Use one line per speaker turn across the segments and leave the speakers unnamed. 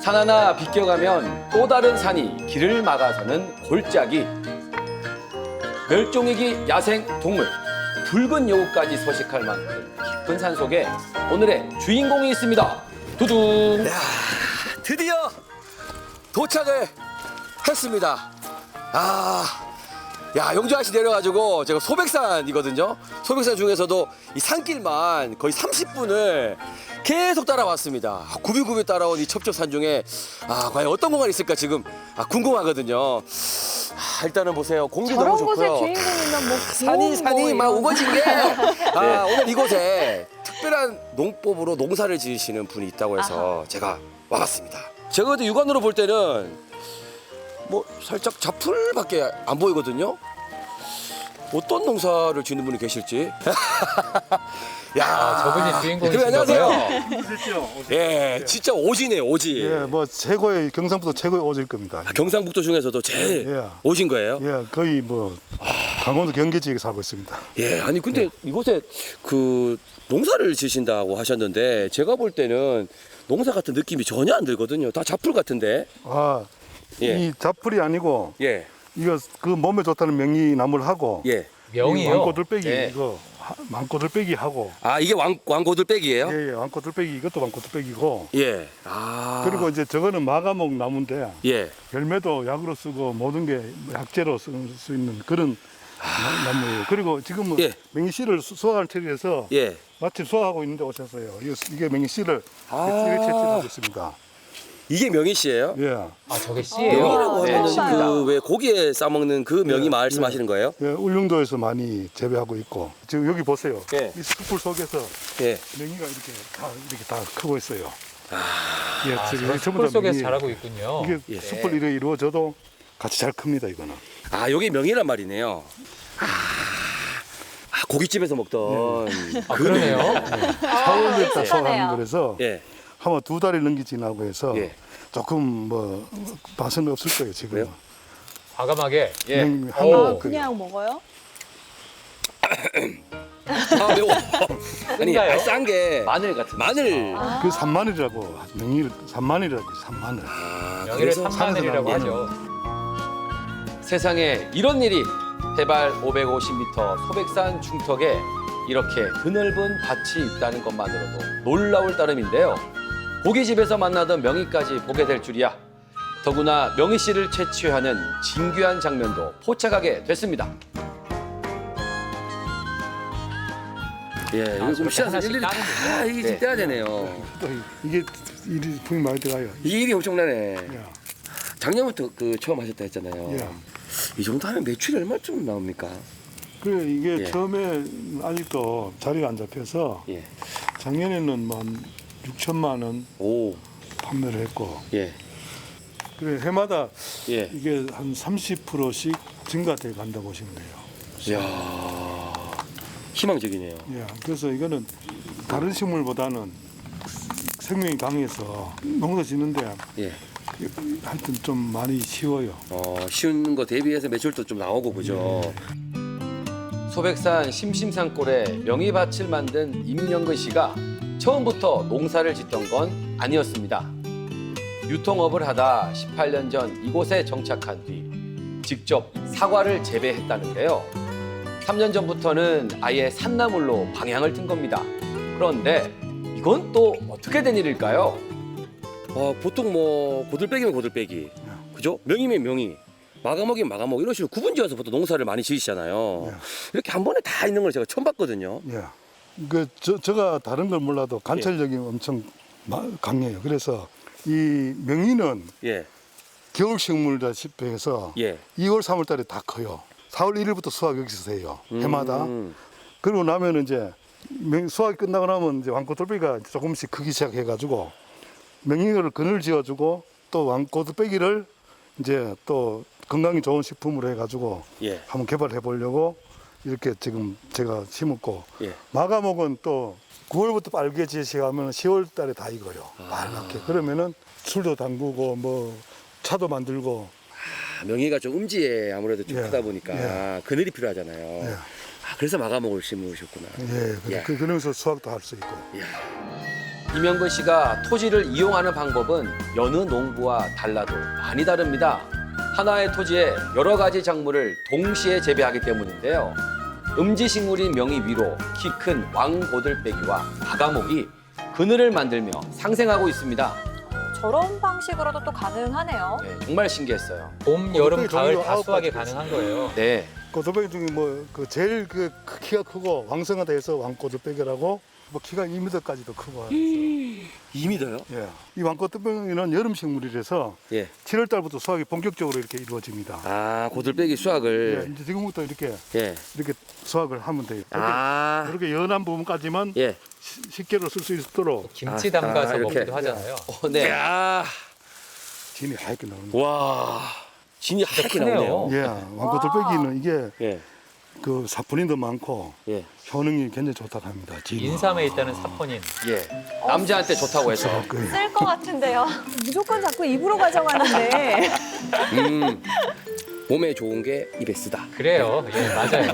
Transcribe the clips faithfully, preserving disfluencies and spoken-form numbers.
산 하나 비껴가면 또 다른 산이 길을 막아서는 골짜기. 멸종위기 야생 동물, 붉은 여우까지 서식할 만큼 깊은 산 속에 오늘의 주인공이 있습니다. 두둥.
야, 드디어 도착을 했습니다. 아, 야, 영주 아저씨 내려가지고 제가 소백산이거든요. 소백산 중에서도 이 산길만 거의 삼십 분을 계속 따라왔습니다. 구비구비 따라온 이 첩첩산 중에 아, 과연 어떤 공간이 있을까 지금 아, 궁금하거든요. 아, 일단은 보세요. 공기 너무
저런 곳의
좋고요.
주인공이면 뭐
산이 산이
뭐
막
이런
우거진 게 아, 오늘 이곳에 특별한 농법으로 농사를 지으시는 분이 있다고 해서 제가 와봤습니다. 제가 그때 육안으로 볼 때는 뭐 살짝 자풀밖에 안 보이거든요. 어떤 농사를 짓는 분이 계실지. 야,
아, 저분이 주인공이신가
그럼 안녕하세요.
그렇죠.
예, 진짜 오지네 오지.
예, 뭐 최고의 경상북도 최고의 오질 겁니다.
아, 경상북도 중에서도 제일
예.
오신 거예요?
예, 거의 뭐 강원도 경계 지역에 살고 있습니다.
예, 아니 근데 이곳에 그 농사를 지신다고 하셨는데 제가 볼 때는 농사 같은 느낌이 전혀 안 들거든요. 다 자풀 같은데.
아,
예.
이 자풀이 아니고
예,
이거 그 몸에 좋다는 명이나무를 하고
예.
명이요.
왕꼬들빼기
예.
이거 왕꼬들빼기 하고
아 이게 왕 왕고들빼기예요?
예, 예, 왕꼬들빼기 이것도 왕꼬들빼기고
예. 아.
그리고 이제 저거는 마가목 나무인데
예.
열매도 약으로 쓰고 모든 게 약재로 쓸 수 있는 그런 나- 나무예요. 그리고 지금은
예.
맹이씨를 수- 수확할 처리해서
예.
마침 수확하고 있는데 오셨어요. 이게, 이게 맹이씨를
아.
이렇게 채취하고 있습니다.
이게 명이 씨예요?
예.
아, 저게 씨예요.
명이라고
네,
하면
씨입니다.
그 왜 고기에 싸 먹는 그 명이
예,
말씀하시는 거예요?
예, 울릉도에서 많이 재배하고 있고 지금 여기 보세요.
예.
이 숯불 속에서
예.
맹이가 이렇게 다 이렇게 다 크고 있어요. 예,
아,
저기
저런
전부
숯불
다
속에서
맹이에요.
자라고 있군요.
이게
예.
숯불 일이 이루어져도 같이 잘 큽니다. 이거는.
아 여기 명이란 말이네요. 아, 아, 고깃집에서 먹던.
아, 그러네요.
사월에 다
아,
수확하는 거라서
예.
한번 두 달이 넘게 지나고 해서
예.
조금 뭐 맛은 없을 거예요 지금.
그래요?
과감하게.
예.
맹이
오.
한번
아,
먹고요.
그냥 먹어요?
아 매워. 아니
쓴가요?
싼 게
마늘 같은.
마늘.
아.
그 산마늘이라고 맹이를 산마늘이라고 해요, 산마늘.
아,
명의를
그래서
산마늘이라고
산에서
하죠.
세상에 이런 일이 해발 오백오십 미터 소백산 중턱에 이렇게 드넓은 밭이 있다는 것만으로도 놀라울 따름인데요. 고깃집에서 만나던 명희까지 보게 될 줄이야. 더구나 명희 씨를 채취하는 진귀한 장면도 포착하게 됐습니다.
예, 이거 좀
저렇게
씨앗을
하나씩
일일이 다
따는군요.
이게 지금
네.
떼야 되네요.
또 이게 일이 분이 많이 들어가요.
이 일이 엄청나네.
예.
작년부터 그 처음 하셨다 했잖아요.
예.
이 정도 하면 매출이 얼마쯤 나옵니까?
그래 이게
예.
처음에 아직도 자리가 안 잡혀서
예.
작년에는 뭐 한 육천만 원
오.
판매를 했고
예.
그래 해마다
예.
이게 한 삼십 퍼센트씩 증가돼 간다고 보시면 돼요.
이야. 희망적이네요.
예, 그래서 이거는 다른 식물보다는 생명이 강해서 농사 짓는데
예.
하여튼 좀 많이 쉬워요.
어, 쉬운 거 대비해서 매출도 좀 나오고 그죠.
소백산 심심산골에 명희밭을 만든 임영근 씨가 처음부터 농사를 짓던 건 아니었습니다. 유통업을 하다 십팔 년 전 이곳에 정착한 뒤 직접 사과를 재배했다는데요. 삼 년 전부터는 아예 산나물로 방향을 튼 겁니다. 그런데 이건 또 어떻게 된 일일까요?
어, 보통 뭐 고들빼기면 고들빼기, 그죠? 명이면 명이, 마감옥이면 마감옥 이런 식으로 구분지어서 보통 농사를 많이 지으시잖아요.
예.
이렇게 한 번에 다 있는 걸 제가 처음 봤거든요.
예. 그 저, 제가 다른 걸 몰라도 관찰력이 엄청 마- 강해요. 그래서 이 명이는
예,
겨울 식물다시피 해서
예.
이월, 삼월 달에 다 커요. 사월 일일부터 수확 여기서 해요. 해마다.
음.
그러고 나면 이제 명- 수확이 끝나고 나면 이제 왕꽃돌빼기가 조금씩 크기 시작해가지고 명이를 그늘 지어주고 또 왕꽃돌빼기를 이제 또 건강이 좋은 식품으로 해가지고
예,
한번 개발해 보려고 이렇게 지금 제가 심었고
예.
마감옥은 또 구월부터 빨개지기 시작하면 시월 달에 다 익어요. 빨갛게. 그러면은 술도 담그고 뭐 차도 만들고.
아, 명이가 좀 음지에 아무래도 좀
예,
크다 보니까
예.
그늘이 필요하잖아요.
예.
아, 그래서 마감옥을 심으셨구나.
예, 그래,
야.
그, 그러면서 수확도 할 수 있고.
이야.
이명근 씨가 토지를 이용하는 방법은 여느 농부와 달라도 많이 다릅니다. 하나의 토지에 여러 가지 작물을 동시에 재배하기 때문인데요. 음지식물인 명이 위로 키 큰 왕고들빼기와 아가목이 그늘을 만들며 상생하고 있습니다.
저런 방식으로도 또 가능하네요.
네, 정말 신기했어요.
봄, 여름,
어떻게
가을
종류가
다
아홉
수확이
가지
가능한 거예요.
네,
고들빼기 중에 뭐 그 제일 그 키가 크고 왕성하다 해서 왕고들빼기라고 뭐 키가 이 미터까지도 크고
이 미터요?
예. 이 왕고들빼기는 여름 식물이라서
예.
칠월 달부터 수확이 본격적으로 이렇게 이루어집니다.
아, 고들빼기
예,
수확을.
이제 지금부터 이렇게
예.
이렇게 수확을 하면 돼요. 이렇게,
아.
이렇게 연한 부분까지만
예.
시- 식재로 쓸 수 있도록
김치
아,
담가서
아, 이렇게.
먹기도 하잖아요.
어, 네.
야.
진이 하얗게 나옵니다.
와. 진이 하얗게
크네요.
나오네요.
예, 왕고들빼기는 이게
예.
그 사포닌도 많고
예.
효능이 굉장히 좋다고 합니다. 진이.
인삼에 있다는 사포닌.
예, 남자한테 좋다고 해서.
그
쓸 것 같은데요. 무조건 자꾸 입으로 가져가는데.
음. 몸에 좋은 게 입에 쓰다.
그래요. 예, 맞아요.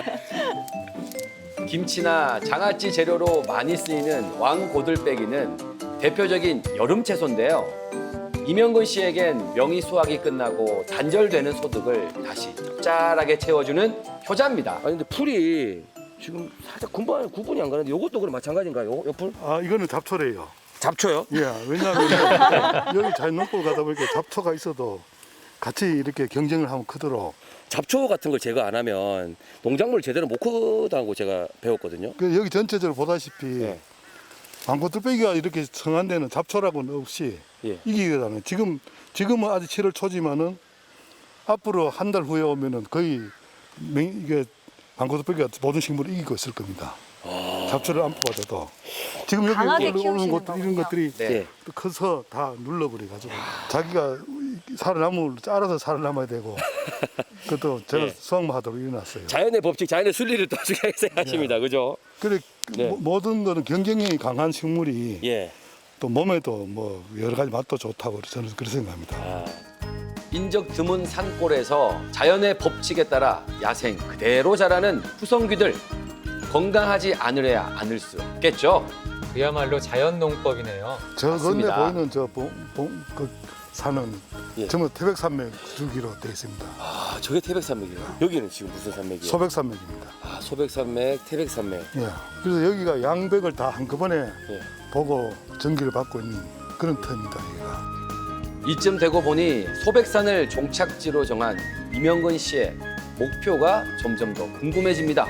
김치나 장아찌 재료로 많이 쓰이는 왕고들빼기는 대표적인 여름 채소인데요. 이명근 씨에겐 명이 수확이 끝나고 단절되는 소득을 다시 짭짤하게 채워주는 효자입니다.
아니 근데 풀이 지금 살짝 군분, 구분이 안 가는데 이것도 그럼 마찬가지인가요? 요, 요 풀?
아, 이거는 잡초래요.
잡초요?
예, 왜냐하면 여기 자연농법 가다 보니까 잡초가 있어도 같이 이렇게 경쟁을 하면 크도록.
잡초 같은 걸 제거 안 하면 농작물 제대로 못 크다고 제가 배웠거든요.
그 여기 전체적으로 보다시피
예.
왕고들빼기가 이렇게 성한 데는 잡초라고는 없이
예.
이기거든요. 지금 지금은 아직 칠월 초지만은 앞으로 한 달 후에 오면은 거의 맹- 이게 왕고들빼기가 모든 식물을 이기고 있을 겁니다. 잡초를 안 뽑아줘도 지금 여기
강하게
오는
키우시는
것들 이런
거군요.
것들이
네.
예.
또 커서 다 눌러버려 가지고 자기가 살아남을 알아서 살아남아야 되고 그것도 제가
예.
수확만 하도록 일어났어요.
자연의 법칙, 자연의 순리를 또 중요하게 생각하십니다. 그죠?
그래
네.
모- 모든 거는 경쟁력이 강한 식물이
예.
또 몸에도 뭐 여러 가지 맛도 좋다고 저는 그렇게 생각합니다.
아,
인적 드문 산골에서 자연의 법칙에 따라 야생 그대로 자라는 후성귀들. 건강하지 않으려야 않을 수 없겠죠.
그야말로 자연 농법이네요.
저 건너
맞습니다.
보이는 저 봉, 봉, 그 산은
예.
전부 태백산맥 줄기로 되어 있습니다.
아, 저게 태백산맥이에요. 여기는 지금 무슨 산맥이에요?
소백산맥입니다.
아, 소백산맥, 태백산맥.
예. 그래서 여기가 양백을 다 한꺼번에
예.
보고 전기를 받고 있는 그런 터입니다. 여기가.
이쯤 되고 보니 소백산을 종착지로 정한 이명근 씨의 목표가 점점 더 궁금해집니다.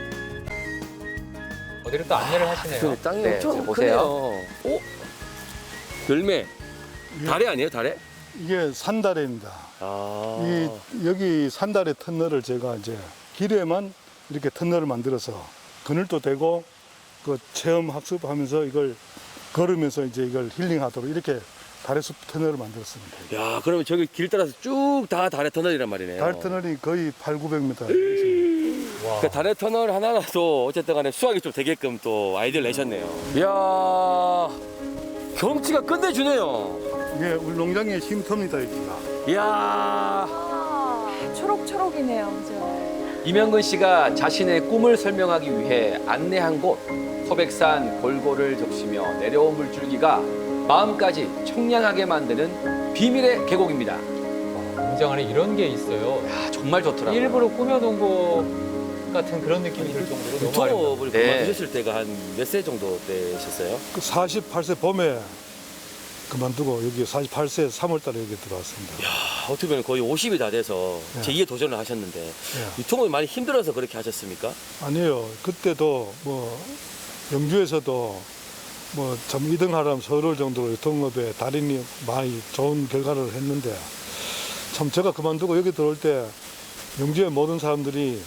어디로 또 안내를 하시네요.
그 땅이
네,
엄청
지금 보세요.
크네요. 오? 열매.
예.
다래 아니에요, 다래?
이게 산다래입니다.
아.
이 여기 산다래 터널을 제가 이제 길에만 이렇게 터널을 만들어서 그늘도 되고 그 체험 학습하면서 이걸 걸으면서 이제 이걸 힐링하도록 이렇게 다래숲 터널을 만들었습니다.
야, 그러면 저기 길 따라서 쭉 다 다래 터널이란 말이네요.
달 터널이 거의 팔구백 미터 있습니다.
와.
그 다래 터널 하나라도 어쨌든 간에 수확이 좀 되게끔 또 아이디어를 내셨네요. 이야, 경치가 끝내주네요.
이게 우리 농장의 쉼터입니다, 여기가.
이야.
아, 초록초록이네요, 그죠?
이명근 씨가 자신의 꿈을 설명하기 위해 안내한 곳 소백산 골고를 적시며 내려온 물줄기가 마음까지 청량하게 만드는 비밀의 계곡입니다.
와, 농장 안에 이런 게 있어요.
야, 정말 좋더라고요.
일부러 꾸며놓은 것 같은 그런 느낌이 들 정도로 너무 아름다워요.
유통업을
네.
그만두셨을 때가 한 몇 세 정도 되셨어요?
그 사십팔 세 봄에 그만두고 여기 사십팔 세 삼월 달에 여기 들어왔습니다.
아, 어떻게 보면 거의 오십이 다 돼서
네.
제이의 도전을 하셨는데
예.
유통업이 많이 힘들어서 그렇게 하셨습니까?
아니에요. 그때도 뭐 영주에서도 뭐 참 이 등 하라면 서울 정도로 유통업에 달인이 많이 좋은 결과를 했는데 참 제가 그만두고 여기 들어올 때 영주의 모든 사람들이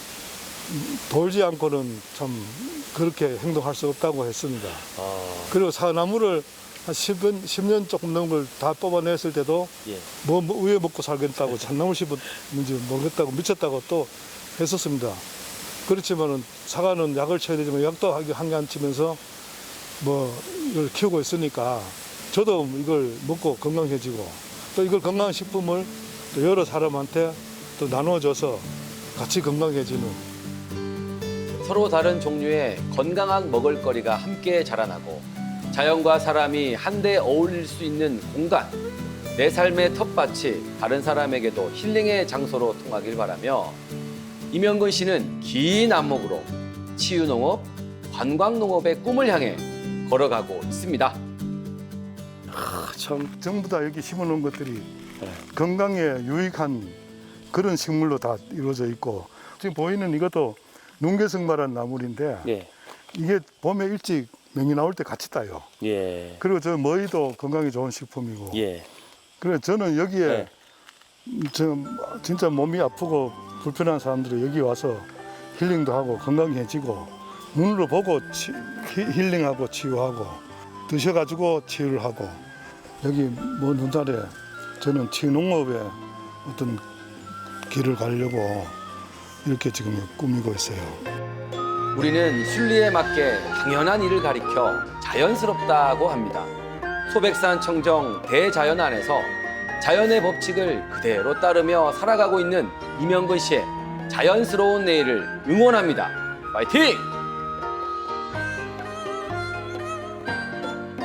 돌지 않고는 참 그렇게 행동할 수 없다고 했습니다.
아,
그리고 사나무를 한 십 년, 십 년 조금 넘은 걸 다 뽑아냈을 때도
예.
뭐, 뭐 우에 먹고 살겠다고 참나물 씹은지 모르겠다고 미쳤다고 또 했었습니다. 그렇지만은 사과는 약을 쳐야 되지만 약도 한 개 안 치면서 뭐 이걸 키우고 있으니까 저도 이걸 먹고 건강해지고 또 이걸 건강식품을 또 여러 사람한테 또 나눠줘서 같이 건강해지는
서로 다른 종류의 건강한 먹을거리가 함께 자라나고 자연과 사람이 한데 어울릴 수 있는 공간, 내 삶의 텃밭이 다른 사람에게도 힐링의 장소로 통하길 바라며 임영근 씨는 긴 안목으로 치유농업, 관광농업의 꿈을 향해 걸어가고 있습니다.
아, 참.
전부 다 여기 심어놓은 것들이 건강에 유익한 그런 식물로 다 이루어져 있고 지금 보이는 이것도 농개성마라는 나물인데
예.
이게 봄에 일찍 명이 나올 때 같이 따요.
예.
그리고 저 머위도 건강에 좋은 식품이고.
예.
그래서 저는 여기에
네.
저 진짜 몸이 아프고 불편한 사람들이 여기 와서 힐링도 하고 건강해지고 눈으로 보고 치, 히- 힐링하고 치유하고 드셔가지고 치유를 하고 여기 먼 훗날에 저는 치유농업에 어떤 길을 가려고 이렇게 지금 꾸미고 있어요.
우리는 순리에 맞게 당연한 일을 가리켜 자연스럽다고 합니다. 소백산 청정 대자연 안에서 자연의 법칙을 그대로 따르며 살아가고 있는 임영근 씨의 자연스러운 내일을 응원합니다. 파이팅!